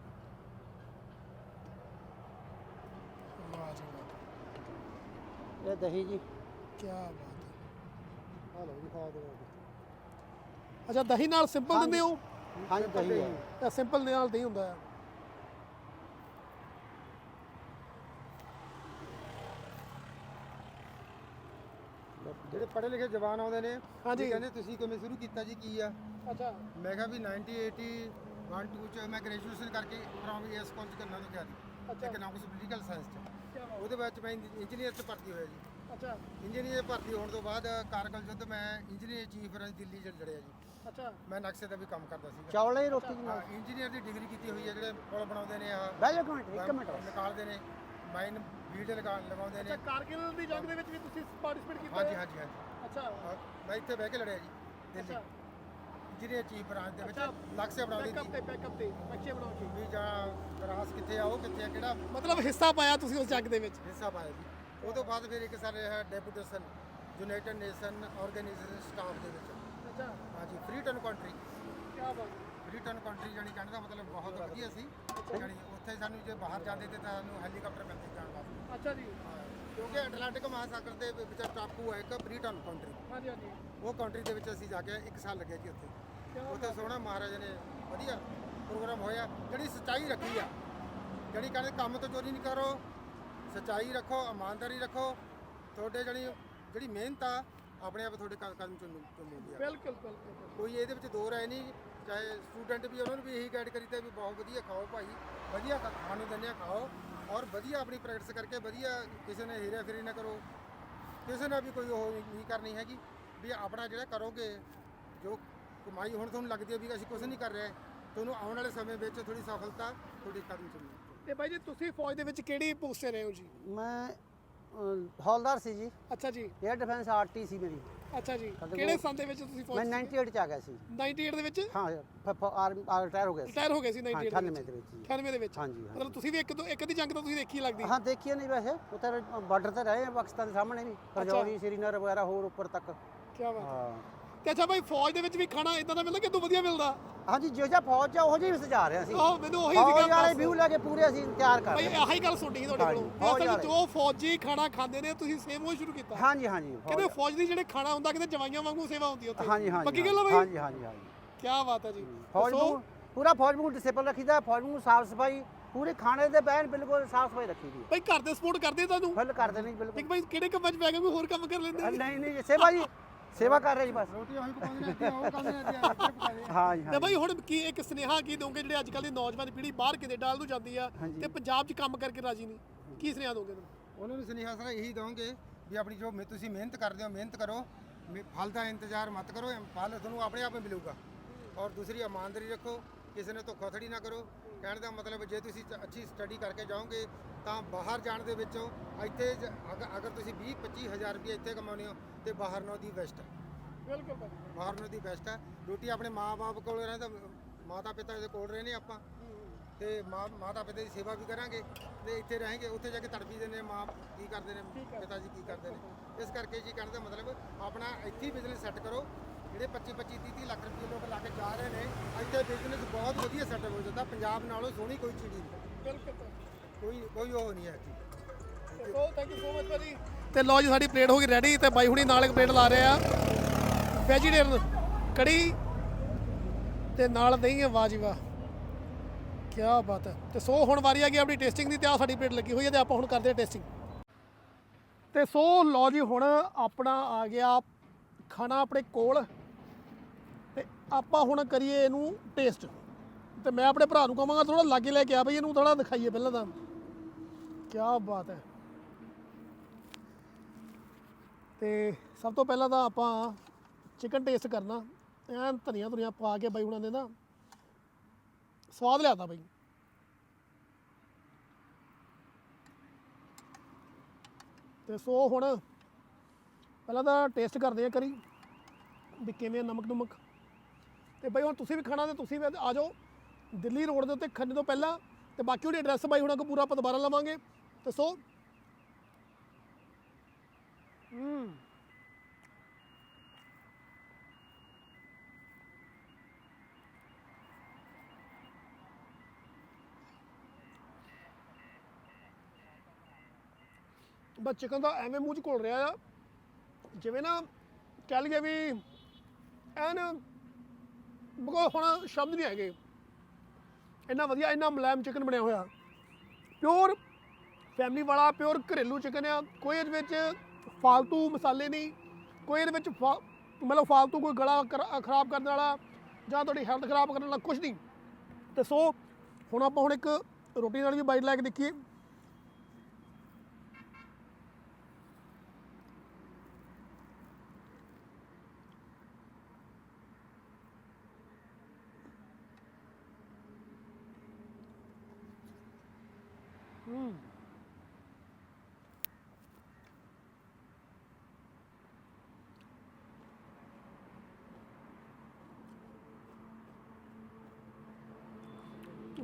ਵਾਹ ਜੀ ਵਾਹ,
ਇਹ ਦਹੀਂ ਜੀ,
ਕੀ ਬਾਤ ਹੈ।
ਆ ਲਓ ਜੀ, ਖਾ ਦਿਓ।
ਅੱਛਾ, ਦਹੀਂ ਨਾਲ ਸਿੰਪਲ ਦਿੰਦੇ ਹੋ?
ਹਾਂਜੀ ਦਹੀਂ ਹੈ।
ਇਹ ਸਿੰਪਲ ਦੇ ਨਾਲ ਦਹੀਂ ਹੁੰਦਾ ਹੈ।
ਜਿਹੜੇ ਪੜ੍ਹੇ ਲਿਖੇ ਜਵਾਨ ਆਉਂਦੇ ਨੇ
ਹਾਂਜੀ।
ਵੀ ਕਹਿੰਦੇ ਤੁਸੀਂ ਕਿਵੇਂ ਸ਼ੁਰੂ ਕੀਤਾ ਜੀ, ਕੀ ਆ?
ਅੱਛਾ,
ਮੈਂ ਕਿਹਾ ਵੀ ਨਾਈਨਟੀ ਏਟੀ ਵਨ ਟੂ ਚ ਮੈਂ ਗ੍ਰੈਜੂਏਸ਼ਨ ਕਰਕੇ ਫਰੋਮ ਇਸ ਕਾਲਜ ਕਰਨਾ ਤੋਂ ਕਿਹਾ ਸੀ ਇਕਨੋਮਿਕਸ ਪੋਲੀਟੀਕਲ ਸਾਇੰਸ ਚ। ਉਹਦੇ ਬਾਅਦ ਚ ਮੈਂ ਇੰਜੀਨੀਅਰ ਚ ਭਰਤੀ ਹੋਇਆ ਜੀ।
ਅੱਛਾ
ਇੰਜੀਨੀਅਰ ਭਰਤੀ ਹੋਣ ਤੋਂ ਬਾਅਦ ਕਾਰਗਲ ਯੁੱਧ ਮੈਂ ਇੰਜੀਨੀਅਰ ਚੀਫ ਰੰਜ ਦਿੱਲੀ ਚ ਲੜਿਆ ਜੀ।
ਅੱਛਾ,
ਮੈਂ ਨਕਸ਼ੇ ਦਾ ਵੀ ਕੰਮ ਕਰਦਾ ਸੀਗਾ।
ਚੌਲੇ ਦੀ ਰੋਟੀ ਜੀ ਨਾਲ।
ਇੰਜੀਨੀਅਰ ਦੀ ਡਿਗਰੀ ਕੀਤੀ ਹੋਈ ਹੈ, ਜਿਹੜੇ ਪੁਲ ਬਣਾਉਂਦੇ ਨੇ ਆ
ਬਹਿ ਜਾਓ ਇੱਕ ਮਿੰਟ, ਇੱਕ ਮਿੰਟ ਬਸ।
ਨਿਕਾਲਦੇ ਨੇ, ਮਾਈਨ ਵੀਡ ਲਗਾ ਲਗਾਉਂਦੇ ਨੇ।
ਅੱਛਾ, ਕਾਰਗਿਲ ਦੀ ਜੰਗ ਦੇ ਵਿੱਚ ਵੀ ਤੁਸੀਂ ਪਾਰਟਿਸਿਪੇਟ ਕੀਤਾ?
ਹਾਂਜੀ ਹਾਂਜੀ ਹਾਂਜੀ।
ਅੱਛਾ
ਹਾਂ, ਮੈਂ ਇੱਥੇ ਬਹਿ ਕੇ ਲੜਿਆ ਜੀ ਦਿੱਲੀ।
ਅੱਛਾ,
ਇੰਜੀਨੀਅਰ ਚੀਫ ਬ੍ਰਾਂਚ ਦੇ ਵਿੱਚ
ਅੱਛਾ।
ਲਕਸ਼ਯ ਬਣਾਉਣੀ
ਬੈਕਅਪ ਤੇ ਬੈਕਅਪ ਤੇ ਨਕਸ਼ੇ ਬਣਾ ਕੇ
ਵੀ ਜਾਂ ਰਾਸ ਕਿੱਥੇ ਆ ਉਹ ਕਿੱਥੇ ਆ ਕਿਹੜਾ
ਮਤਲਬ ਹਿੱਸਾ ਪਾਇਆ ਤੁਸੀਂ ਉਸ ਜੰਗ ਦੇ ਵਿੱਚ।
ਹਿੱਸਾ ਪਾਇਆ ਜੀ। ਉਹ ਤੋਂ ਬਾਅਦ ਫਿਰ ਇੱਕ ਸਾਡੇ ਹੈ deputation United Nation organisation staff ਦੇ ਵਿੱਚ।
ਅੱਛਾ
ਹਾਂਜੀ ਫ੍ਰੀ ਟਰਨ ਕੰਟਰੀ
ਕੀ ਬਾਤ
ਫ੍ਰੀ ਟਰਨ ਕੰਟਰੀ ਜਾਣੀ ਕਹਿਣ ਦਾ ਮਤਲਬ ਬਹੁਤ ਵਧੀਆ ਸੀ ਜਾਣੀ ਉੱਥੇ ਸਾਨੂੰ ਜੇ ਬਾਹਰ ਜਾਂਦੇ ਤੇ ਸਾਨੂੰ ਹੈਲੀਕਾਪਟਰ ਮਿਲਦੇ ਜਾਣ ਵਾਸਤੇ
ਅੱਛਾ ਜੀ
ਕਿਉਂਕਿ ਅਟਲਾਂਟਿਕ ਮਹਾਸਾਗਰ ਦੇ ਵਿੱਚ ਟਾਪੂ ਹੈ ਇੱਕ ਫ੍ਰੀ ਟਰਨ ਕੰਟਰੀ
ਹਾਂਜੀ ਹਾਂਜੀ
ਉਹ ਕੰਟਰੀ ਦੇ ਵਿੱਚ ਅਸੀਂ ਜਾ ਕੇ ਇੱਕ ਸਾਲ ਲੱਗਿਆ ਜੀ ਉੱਥੇ ਉੱਥੇ ਸੋਹਣਾ ਮਹਾਰਾਜਾ ਨੇ ਵਧੀਆ ਪ੍ਰੋਗਰਾਮ ਹੋਇਆ ਜਿਹੜੀ ਸੱਚਾਈ ਰੱਖੀ ਆ ਜਿਹੜੀ ਕਹਿੰਦੇ ਕੰਮ ਤੋਂ ਚੋਰੀ ਨਹੀਂ ਕਰੋ ਸੱਚਾਈ ਰੱਖੋ ਇਮਾਨਦਾਰੀ ਰੱਖੋ ਤੁਹਾਡੇ ਜਿਹੜੀ ਜਿਹੜੀ ਮਿਹਨਤ ਆ ਆਪਣੇ ਆਪ ਤੁਹਾਡੇ ਕ- ਕਦਮ ਚੁੰਮ ਚੁੰਮੂਗੀ ਆ
ਬਿਲਕੁਲ ਬਿਲਕੁਲ
ਕੋਈ ਇਹਦੇ ਵਿੱਚ ਦੋ ਰਾਏ ਨਹੀਂ ਚਾਹੇ ਸਟੂਡੈਂਟ ਵੀ ਉਹਨਾਂ ਨੂੰ ਵੀ ਇਹੀ ਗਾਈਡ ਕਰੀਦਾ ਵੀ ਬਹੁਤ ਵਧੀਆ ਖਾਓ ਭਾਈ ਵਧੀਆ ਖਾ- ਖਾਣ ਨੂੰ ਦਿੰਦੇ ਆ ਖਾਓ ਔਰ ਵਧੀਆ ਆਪਣੀ ਪ੍ਰੈਕਟਿਸ ਕਰਕੇ ਵਧੀਆ ਕਿਸੇ ਨੇ ਹੀਰਾ ਫੇਰੀ ਨਾ ਕਰੋ ਕਿਸੇ ਨਾਲ ਵੀ ਕੋਈ ਉਹ ਨਹੀਂ ਕਰਨੀ ਹੈਗੀ ਵੀ ਆਪਣਾ ਜਿਹੜਾ ਕਰੋਗੇ ਜੋ ਕਮਾਈ ਹੁਣ ਤੁਹਾਨੂੰ ਲੱਗਦੀ ਹੈ ਵੀ ਅਸੀਂ ਕੁਝ ਨਹੀਂ ਕਰ ਰਹੇ ਤੁਹਾਨੂੰ ਆਉਣ ਵਾਲੇ ਸਮੇਂ ਵਿੱਚ ਥੋੜੀ ਸਫਲਤਾ ਤੁਹਾਡੀ ਕਦਮ ਚੁੰਮੀ
ਤੇ ਬਾਈ ਜੀ ਤੁਸੀਂ ਫੌਜ ਦੇ ਵਿੱਚ ਕਿਹੜੀ ਪੋਸਟ ਤੇ ਰਹੇ ਹੋ ਜੀ?
ਮੈਂ ਅ, ਹੌਲਦਾਰ ਸੀ ਜੀ
ਅੱਛਾ ਜੀ
에ਅਰ ਡਿਫੈਂਸ ਆਰਟੀ ਸੀ ਮੇਰੀ
ਅੱਛਾ ਜੀ
ਸਾਡੇ
ਕਿਹੜੇ
ਕੋਲ-
ਸੰਨ ਦੇ ਵਿੱਚ ਤੁਸੀਂ ਫੌਜ
ਮੈਂ
ਚ ਸੀਗੇ?
ਅਠਾਨਵੇਂ ਚ ਆ ਗਿਆ ਸੀ
ਅਠਾਨਵੇਂ ਦੇ ਵਿੱਚ
ਹਾਂ ਆਰਮੀ ਰਿਟਾਇਰ ਹੋ ਗਿਆ ਸੀ
ਰਿਟਾਇਰ ਹੋ ਗਏ ਸੀ
ਹਾਂ,
ਅਠਾਨਵੇਂ
ਅਠਾਨਵੇਂ
ਦੇ
ਦੇ
ਵਿੱਚ
ਵਿੱਚ ਜੀ।
ਅਠਾਨਵੇਂ ਦੇ ਵਿੱਚ
ਹਾਂਜੀ, ਹਾਂਜੀ।
ਮਤਲਬ ਤੁਸੀਂ ਵੀ ਇੱਕ ਤੋਂ ਇੱਕ ਦੀ ਜੰਗ ਤਾਂ ਤੁਸੀਂ ਦੇਖੀ ਲੱਗਦੀ
ਹਾਂ ਦੇਖੀਏ ਨਹੀਂ ਵੈਸੇ ਉੱਥੇ ਬਾਰਡਰ ਤੇ ਰਹੇ ਆ ਪਾਕਿਸਤਾਨ ਦੇ ਸਾਹਮਣੇ ਵੀ ਰਜੌਰੀ ਸ਼੍ਰੀਨਗਰ ਵਗੈਰਾ ਹੋਰ ਉੱਪਰ ਤੱਕ
ਕੀ ਬਾਤ ਹੈ।
ਹਾਂ
ਤੇ ਅੱਛਾ ਬਾਈ ਫੌਜ ਦੇ ਵਿੱਚ ਵੀ ਖਾਣਾ ਇਦਾਂ ਦਾ ਮਿਲਦਾ ਕਿ ਇਦੋਂ ਵਧੀਆ ਮਿਲਦਾ?
ਹਾਂਜੀ ਜੋ ਜਿਹਾ ਫੌਜ ਚ ਆ, ਉਹੋ ਜਿਹੀ ਸਜਾ ਰਹੇ ਸੀ
ਆਹ ਮੈਨੂੰ ਉਹੀ
ਫੌਜ
ਸੀਗਾ
ਵਾਲੇ
ਬਸ।
ਵਿਊ ਲੈ ਕੇ ਪੂਰੇ ਅਸੀਂ ਤਿਆਰ ਕਰ
ਬਾਈ
ਰਹੇ
ਆਹੀ ਗੱਲ ਸੁਣਨੀ ਸੀ ਤੁਹਾਡੇ
ਹਾਂਜੀ,
ਕੋਲੋਂ
ਫੌਜ
ਅਸਲ ਵਿੱਚ
ਵਾਲੇ।
ਜੋ ਫੌਜੀ ਖਾਣਾ ਖਾਂਦੇ ਨੇ ਤੁਸੀਂ ਸੇਮ ਉਹ ਸ਼ੁਰੂ ਕੀਤਾ
ਹਾਂਜੀ ਹਾਂਜੀ
ਕਹਿੰਦੇ
ਫੌਜ-
ਫੌਜ ਦੀ ਜਿਹੜੇ ਖਾਣਾ ਹੁੰਦਾ ਕਿਤੇ ਜਵਾਈਆਂ ਵਾਂਗੂ ਸੇਵਾ ਹੁੰਦੀ ਉੱਥੇ
ਹਾਂਜੀ ਹਾਂਜੀ
ਪੱਕੀ ਗੱਲ ਆ ਬਾਈ?
ਹਾਂਜੀ ਹਾਂਜੀ ਹਾਂਜੀ
ਕੀ ਬਾਤ ਹੈ ਜੀ
ਫੌਜ
ਦੱਸੋ।
ਨੂੰ ਪੂਰਾ ਫੌਜ ਨੂੰ ਡਿਸਪਲਿਨ ਰੱਖੀਦਾ ਫੌਜ ਨੂੰ ਸਾਫ ਸਫਾਈ ਪੂਰੇ ਖਾਣੇ ਦੇ ਬੈਨ ਬਿਲਕੁਲ ਸਾਫ ਸਫਾਈ ਰੱਖੀ ਦੀ
ਬਾਈ ਘਰ ਦੇ ਸਪੋਰਟ ਕਰਦੇ ਤੁਹਾਨੂੰ
ਫੁੱਲ ਕਰਦੇ ਨਹੀਂ
ਇੱਕ
ਬਿਲਕੁਲ
ਬਾਈ ਕਿਹੜੇ ਕੰਮਾਂ 'ਚ ਪੈ ਗਏ ਕੋਈ ਹੋਰ ਕੰਮ ਕਰ ਲੈਂਦੇ
ਨਹੀਂ ਨਹੀਂ ਸੇਵਾ ਜੀ ਸੇਵਾ ਕਰ ਰਹੇ ਜੀ ਬਸ
ਰੋਟੀ ਉਹੀ ਪਕਾਉਂਦੇ ਨੇ ਅੱਧੀ ਉਹ ਕੰਮ ਨੇ ਅੱਧੀ ਇੱਧਰ ਪਕਾਉਂਦੇ ਆ
ਹਾਂਜੀ
ਤੇ
ਹਾਂਜੀ
ਬਾਈ ਹੁਣ ਕੀ ਇੱਕ ਸੁਨੇਹਾ ਕੀ ਦੋਗੇ ਜਿਹੜੇ ਅੱਜ ਕੱਲ੍ਹ ਦੀ ਨੌਜਵਾਨ ਪੀੜ੍ਹੀ ਬਾਹਰ ਕੈਨੇਡਾ ਨੂੰ ਜਾਂਦੀ ਆ
ਹਾਂਜੀ।
ਤੇ ਪੰਜਾਬ 'ਚ ਕੰਮ ਕਰਕੇ ਰਾਜੀ ਨਹੀਂ ਕੀ ਸੁਨੇਹਾ ਦੋਗੇ ਤੁਹਾਨੂੰ?
ਉਹਨਾਂ ਨੂੰ ਸੁਨੇਹਾ ਸਾਰਾ ਇਹੀ ਦਵਾਂਗੇ ਵੀ ਆਪਣੀ ਜੋ ਮਿਹ- ਤੁਸੀਂ ਮਿਹਨਤ ਕਰਦੇ ਹੋ ਮਿਹਨਤ ਕਰੋ ਮਿ- ਫਲ ਦਾ ਇੰਤਜ਼ਾਰ ਮਤ ਕਰੋ ਫਲ ਤੁਹਾਨੂੰ ਆਪਣੇ ਆਪ ਹੀ ਮਿਲੂਗਾ ਔਰ ਦੂਸਰੀ ਇਮਾਨਦਾਰੀ ਰੱਖੋ ਕਿਸੇ ਨੇ ਧੋਖਾਧੜੀ ਨਾ ਕਰੋ ਕਹਿਣ ਦਾ ਮਤਲਬ ਜੇ ਤੁਸੀਂ ਚ- ਅੱਛੀ ਸਟੱਡੀ ਕਰਕੇ ਜਾਓਗੇ ਤਾਂ ਬਾਹਰ ਜਾਣ ਦੇ ਵਿੱਚੋਂ ਇੱਥੇ ਜ- ਅਗ- ਅਗਰ ਤੁਸੀਂ ਵੀਹ ਪੱਚੀ ਹਜ਼ਾਰ ਰੁਪਏ ਇੱਥੇ ਕਮਾਉਂਦੇ ਹੋ ਤੇ ਬਾਹਰ ਨਾਲੋਂ ਦੀ ਬੈਸਟ ਹੈ
ਬਿਲਕੁਲ ਬਾਈ
ਬਾਹਰ ਨਾਲੋਂ ਦੀ ਬੈਸਟ ਹੈ ਰੋਟੀ ਆਪਣੇ ਮਾਂ-ਬਾਪ ਕੋਲ ਰਹਿੰਦਾ ਮਾਤਾ ਪਿਤਾ ਦੇ ਕੋਲ ਰਹਿੰਦੇ ਆਪਾਂ ਤੇ ਮਾਂ ਮਾਤਾ ਪਿਤਾ ਦੀ ਸੇਵਾ ਵੀ ਕਰਾਂਗੇ ਤੇ ਇੱਥੇ ਰਹਾਂਗੇ ਉੱਥੇ ਜਾ ਕੇ ਤੜਫੀ ਦੇ ਨੇ ਮਾਂ ਕੀ ਕਰਦੇ ਨੇ ਪਿਤਾ ਜੀ ਕੀ ਕਰਦੇ ਨੇ ਇਸ ਕਰਕੇ ਜੀ ਕਹਿਣ ਦਾ ਮਤਲਬ ਆਪਣਾ ਇੱਥੇ ਹੀ ਬਿਜ਼ਨਸ ਸੈੱਟ ਕਰੋ ਜਿਹੜੇ ਪੱਚੀ ਪੱਚੀ ਤੀਹ ਤੀਹ ਲੱਖ ਰੁਪਏ ਲੋਕ ਲਾ ਕੇ ਜਾ ਰਹੇ ਨੇ ਇੱਥੇ ਬਿਜ਼ਨਸ ਬਹੁਤ ਵਧੀਆ ਸੈੱਟ ਹੋ ਜਾਂਦਾ ਪੰਜਾਬ ਨਾਲੋਂ ਸੋਹਣੀ ਕੋਈ ਚੀਜ਼ ਨਹੀਂ
ਬਿਲਕੁਲ
ਕੋਈ ਕੋਈ ਉਹ ਨਹੀਂ ਹੈ ਜੀ
so thank you so much ਭਾਜੀ ਤੇ ਲੋ ਜੀ ਸਾਡੀ ਪਲੇਟ ਹੋ ਗਈ ਰੈਡੀ ਤੇ ਬਾਈ ਹੁਣੀ ਨਾਲ ਇੱਕ ਪਲੇਟ ਲਾ ਰਹੇ ਆ ਵੈਜੀਟੇਰੀਅਨ ਕੜੀ ਤੇ ਨਾਲ ਦਹੀਂ ਹੈ ਵਾਹ ਜੀ ਵਾਹ ਕੀ ਬਾਤ ਹੈ ਤੇ ਸੋ ਹੁਣ ਵਾਰੀ ਆ ਗਈ ਆਪਣੀ ਟੇਸਟਿੰਗ ਦੀ ਤੇ ਆ ਸਾਡੀ ਪਲੇਟ ਲੱਗੀ ਹੋਈ ਹੈ ਤੇ ਆਪਾਂ ਹੁਣ ਕਰਦੇ ਹਾਂ ਟੇਸਟਿੰਗ ਤੇ ਸੋ ਲੋ ਜੀ ਹੁਣ ਆਪਣਾ ਆ ਗਿਆ ਖਾਣਾ ਆਪਣੇ ਕੋਲ ਤੇ ਆਪਾਂ ਹੁਣ ਕਰੀਏ ਇਹਨੂੰ ਟੇਸਟ ਤੇ ਮੈਂ ਆਪਣੇ ਭਰਾ ਨੂੰ ਕਹਾਂਗਾ ਥੋੜਾ ਲਾਗੇ ਲੈ ਕੇ ਆ ਬਈ ਇਹਨੂੰ ਥੋੜਾ ਦਿਖਾਈਏ ਪਹਿਲਾਂ ਤਾਂ ਕੀ ਬਾਤ ਹੈ ਤੇ ਸਭ ਤੋਂ ਪਹਿਲਾਂ ਤਾਂ ਆਪਾਂ ਚਿਕਨ ਟੇਸਟ ਕਰਨਾ ਐਨ ਧਨੀਆ ਧੁਨੀਆ ਪਾ ਕੇ ਬਾਈ ਹੁਣਾਂ ਨੇ ਨਾ ਸਵਾਦ ਲਿਆਦਾ ਬਾਈ ਤੇ ਸੋ ਹੁਣ ਪਹਿਲਾਂ ਤਾਂ ਟੇਸਟ ਕਰਦੇ ਆ ਕਰੀ ਵੀ ਕਿਵੇਂ ਆ ਨਮਕ ਨੁਮਕ ਤੇ ਬਾਈ ਹੁਣ ਤੁਸੀਂ ਵੀ ਖਾਣਾ ਤੇ ਤੁਸੀਂ ਵੀ ਆ ਜਾਓ ਦਿੱਲੀ ਰੋਡ ਦੇ ਉੱਤੇ ਖੰਨੇ ਤੋਂ ਪਹਿਲਾਂ ਤੇ ਬਾਕੀ ਉਹਦੀ ਐਡਰੈਸ ਬਾਈ ਹੁਣਾਂ ਕੋ ਪੂਰਾ ਆਪਾਂ ਦੁਬਾਰਾ ਲਵਾਂਗੇ ਤੇ ਸੋ ਹੂੰ ਬਸ ਚਿਕਨ ਦਾ ਐਵੇਂ ਮੂੰਹ 'ਚ ਘੁਲ ਰਿਹਾ ਆ ਜਿਵੇਂ ਨਾ ਕਹਿ ਲਈਏ ਵੀ ਐਨ ਬਗੋ ਹੁਣ ਸ਼ਬਦ ਨਹੀਂ ਹੈਗੇ ਇੰਨਾ ਵਧੀਆ ਇੰਨਾ ਮੁਲਾਇਮ ਚਿਕਨ ਬਣਿਆ ਹੋਇਆ ਪਿਓਰ ਫੈਮਿਲੀ ਵਾਲਾ ਪਿਓਰ ਘਰੇਲੂ ਚਿਕਨ ਆ ਕੋਈ ਇਹਦੇ ਵਿੱਚ ਫਾਲਤੂ ਮਸਾਲੇ ਨਹੀਂ ਕੋਈ ਇਹਦੇ ਵਿੱਚ ਫਾ ਮਤਲਬ ਫਾਲਤੂ ਕੋਈ ਗਲਾ ਕਰ- ਖਰਾਬ ਕਰਨ ਵਾਲਾ ਜਾਂ ਤੁਹਾਡੀ ਹੈਲਥ ਖਰਾਬ ਕਰਨ ਵਾਲਾ ਕੁਝ ਨਹੀਂ ਤੇ ਸੋ ਹੁਣ ਆਪਾਂ ਹੁਣ ਇੱਕ ਰੋਟੀ ਨਾਲ ਵੀ ਬਾਈਟ ਲੈ ਕੇ ਦੇਖੀਏ ਹੂੰ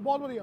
ਬਹੁਤ ਵਧੀਆ।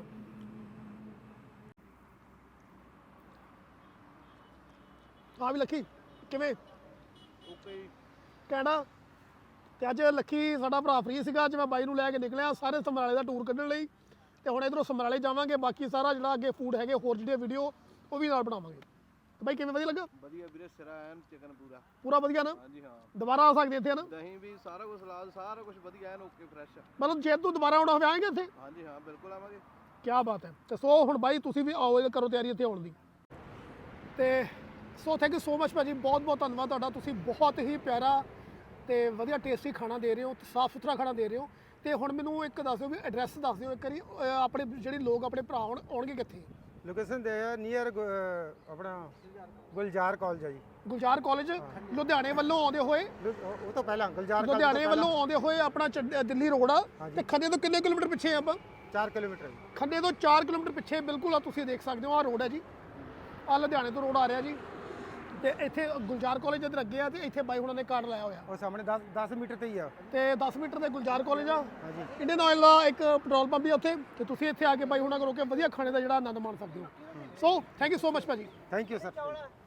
ਹਾਂ ਵੀ ਲੱਕੀ ਕਿਵੇਂ?
ਓਕੇ
ਕਹਿਣਾ ਤੇ ਅੱਜ ਲੱਕੀ ਸਾਡਾ ਭਰਾ ਫ੍ਰੀ ਸੀਗਾ, ਅੱਜ ਮੈਂ ਬਾਈ ਨੂੰ ਲੈ ਕੇ ਨਿਕਲਿਆ ਸਾਰੇ ਸਮਰਾਲੇ ਦਾ ਟੂਰ ਕੱਢਣ ਲਈ, ਤੇ ਹੁਣ ਇਧਰੋਂ ਸਮਰਾਲੇ ਜਾਵਾਂਗੇ, ਬਾਕੀ ਸਾਰਾ ਜਿਹੜਾ ਅੱਗੇ ਫੂਡ ਹੈਗੇ ਹੋਰ ਜਿਹੜੇ ਵੀਡੀਓ ਉਹ ਵੀ ਨਾਲ ਬਣਾਵਾਂਗੇ। ਤੇ ਬਾਈ ਕਿਵੇਂ, ਵਧੀਆ ਲੱਗਾ?
ਵਧੀਆ ਵੀਰੇ, ਸਿਰਾ ਐਨ ਚਿਕਨ ਪੂਰਾ
ਪੂਰਾ ਵਧੀਆ ਨਾ?
ਹਾਂਜੀ ਹਾਂ,
ਦੁਬਾਰਾ ਆ ਸਕਦੇ ਇੱਥੇ ਨਾ?
ਦਹੀਂ ਵੀ ਸਾਰਾ ਕੁਝ, ਸਲਾਦ ਸਾਰਾ ਕੁਝ ਵਧੀਆ ਐਨ ਓਕੇ ਫਰੈਸ਼।
ਮਤਲਬ ਜੇ ਤੂੰ ਦੁਬਾਰਾ ਆਉਣਾ ਹੋਵੇ ਆਏਂਗੇ ਇੱਥੇ?
ਹਾਂਜੀ ਹਾਂ ਬਿਲਕੁਲ ਆਵਾਂਗੇ।
ਕੀ ਬਾਤ ਹੈ। ਤੇ ਸੋ ਹੁਣ ਬਾਈ ਤੁਸੀਂ ਵੀ ਆਓ, ਕਰੋ ਤਿਆਰੀ ਇੱਥੇ ਆਉਣ ਦੀ। ਤੇ so thank you so much ਭਾਜੀ, ਬਹੁਤ ਬਹੁਤ ਧੰਨਵਾਦ ਤੁਹਾਡਾ, ਤੁਸੀਂ ਬਹੁਤ ਹੀ ਪਿਆਰਾ ਤੇ ਵਧੀਆ ਟੇਸਟੀ ਖਾਣਾ ਦੇ ਰਹੇ ਹੋ, ਤੇ ਸਾਫ਼ ਸੁਥਰਾ ਖਾਣਾ ਦੇ ਰਹੇ ਹੋ। ਤੇ ਹੁਣ ਮੈਨੂੰ ਇੱਕ ਦੱਸ ਦਿਓ ਵੀ ਐਡਰੈਸ ਦੱਸ ਦਿਓ ਇੱਕ ਵਾਰੀ, ਅਹ ਆਪਣੇ ਜਿਹੜੇ ਲੋਕ ਆਪਣੇ ਭਰਾ ਆਉਣ ਆਉਣਗੇ ਕਿੱਥੇ?
ਲੋਕੇਸ਼ਨ ਦੇ ਆ ਨੀਅਰ ਆਪਣਾ ਗੁਲਜ਼ਾਰ ਕਾਲਜ ਆ ਜੀ।
ਗੁਲਜ਼ਾਰ ਕਾਲਜ ਲੁਧਿਆਣੇ ਵੱਲੋਂ ਆਉਂਦੇ ਹੋਏ,
ਲੁ- ਉਹ ਉਹ ਤੋਂ ਪਹਿਲਾਂ ਗੁਲਜ਼ਾਰ college ਤੋਂ
ਲੁਧਿਆਣੇ ਵੱਲੋਂ
ਪਹਿਲਾਂ
ਆਉਂਦੇ ਹੋਏ ਆਪਣਾ ਚੰਡ- ਦਿੱਲੀ ਰੋਡ ਆ, ਤੇ ਖੰਨੇ ਤੋਂ ਕਿੰਨੇ ਕਿਲੋਮੀਟਰ ਪਿੱਛੇ ਆ ਆਪਾਂ?
ਚਾਰ ਕਿਲੋਮੀਟਰ ਜੀ।
ਖੰਨੇ ਤੋਂ ਚਾਰ ਕਿਲੋਮੀਟਰ ਪਿੱਛੇ ਬਿਲਕੁਲ ਆ, ਤੁਸੀਂ ਦੇਖ ਸਕਦੇ ਹੋ ਆਹ ਰੋਡ ਹੈ ਜੀ, ਆਹ ਲੁਧਿਆਣੇ ਤੋਂ ਰੋਡ ਆ ਰਿਹਾ ਜੀ, ਤੇ ਇੱਥੇ ਗੁਲਜ਼ਾਰ ਕਾਲਜ ਇੱਧਰ ਅੱਗੇ ਆ, ਤੇ ਇੱਥੇ ਬਾਈ ਹੁਣਾਂ ਨੇ ਕਾਰਡ ਲਾਇਆ ਹੋਇਆ,
ਉਹ ਸਾਹਮਣੇ ਦਸ ਦਸ ਮੀਟਰ ਤੇ ਹੀ ਆ।
ਤੇ ਦਸ ਮੀਟਰ ਤੇ ਗੁਲਜ਼ਾਰ ਕਾਲਜ ਆ।
ਹਾਂਜੀ।
ਇੰਡੀਅਨ ਆਇਲ ਦਾ ਇੱਕ ਪੈਟਰੋਲ ਪੰਪ ਵੀ ਆ ਉੱਥੇ, ਤੇ ਤੁਸੀਂ ਇੱਥੇ ਆ ਕੇ ਬਾਈ ਹੁਣਾਂ ਕੋਲ ਕੇ ਵਧੀਆ ਖਾਣੇ ਦਾ ਜਿਹੜਾ ਆਨੰਦ ਮਾਣ ਸਕਦੇ ਹੋ। So thank you so much ਭਾਜੀ।
Thank you sir.